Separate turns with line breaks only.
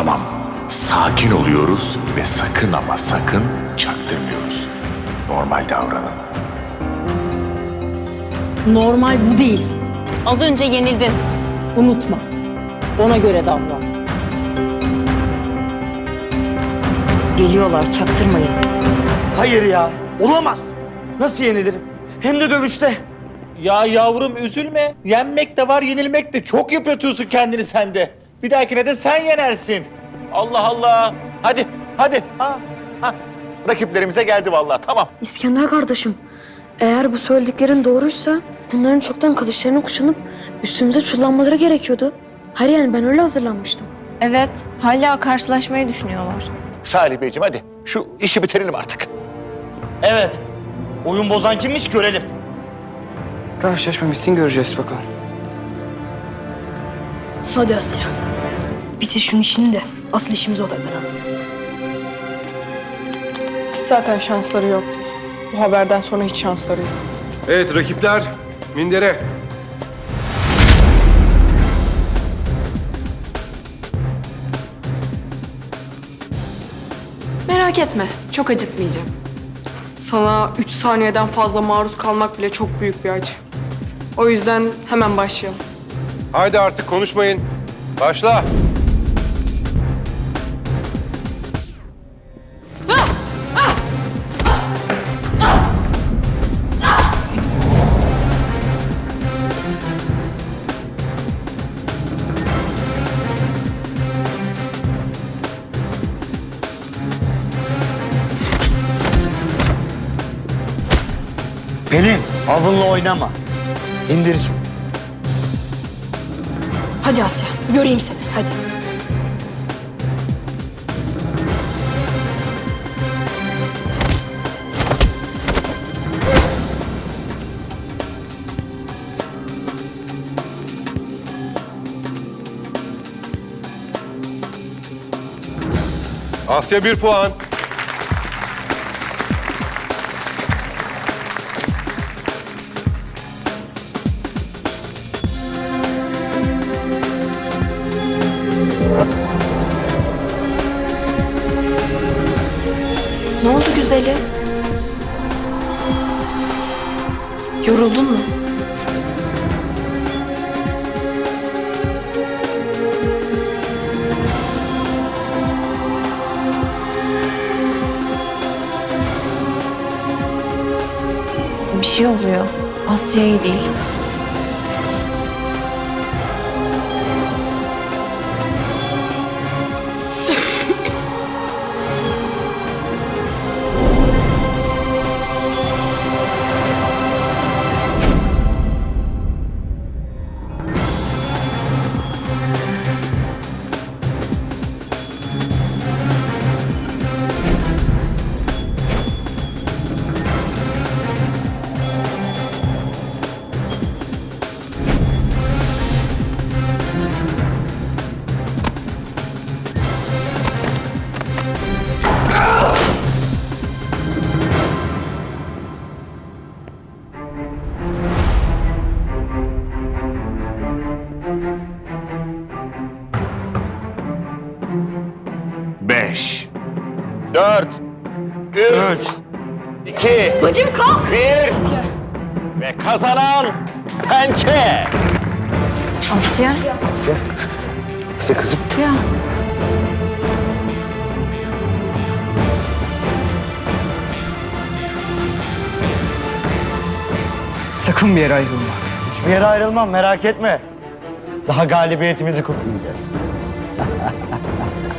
Tamam, sakin oluyoruz ve sakın ama sakın çaktırmıyoruz. Normal davranın.
Normal bu değil. Az önce yenildin. Unutma. Ona göre davran. Geliyorlar, çaktırmayın.
Hayır ya, olamaz. Nasıl yenilirim? Hem de dövüşte.
Ya yavrum üzülme. Yenmek de var, yenilmek de. Çok yıpratıyorsun kendini sen de. Bir dahakine de sen yenersin. Allah Allah. Hadi, hadi. Ha. Rakiplerimize geldi vallahi. Tamam.
İskender kardeşim, eğer bu söylediklerin doğruysa bunların çoktan kılıçlarını kuşanıp üstümüze çullanmaları gerekiyordu. Hayır yani ben öyle hazırlanmıştım.
Evet, hala karşılaşmayı düşünüyorlar.
Salih Beyciğim hadi. Şu işi bitirelim artık.
Evet, oyun bozan kimmiş görelim.
Karşılaşma bitsin göreceğiz bakalım.
Hadi Asya. Bitir şunun işini de asıl işimize odaklanalım.
Zaten şansları yoktu. Bu haberden sonra hiç şansları yok.
Evet rakipler, mindere.
Merak etme, çok acıtmayacağım. Sana 3 saniyeden fazla maruz kalmak bile çok büyük bir acı. O yüzden hemen başlayalım.
Haydi artık konuşmayın. Başla.
Pelin, avınla oynama. İndir şunu.
Hadi Asya, göreyim seni, hadi.
Asya 1 puan.
Ne oldu güzelim? Yoruldun mu?
Bir şey oluyor. Asya iyi değil.
Beş.
4, 3, 2,
Bacım kalk!
1
Asya.
ve kazanan Pençe.
Asya?
Asya kızım.
Asya.
Sakın bir yere ayrılma.
Hiçbir yere ayrılmam, merak etme. Daha galibiyetimizi kutlayacağız.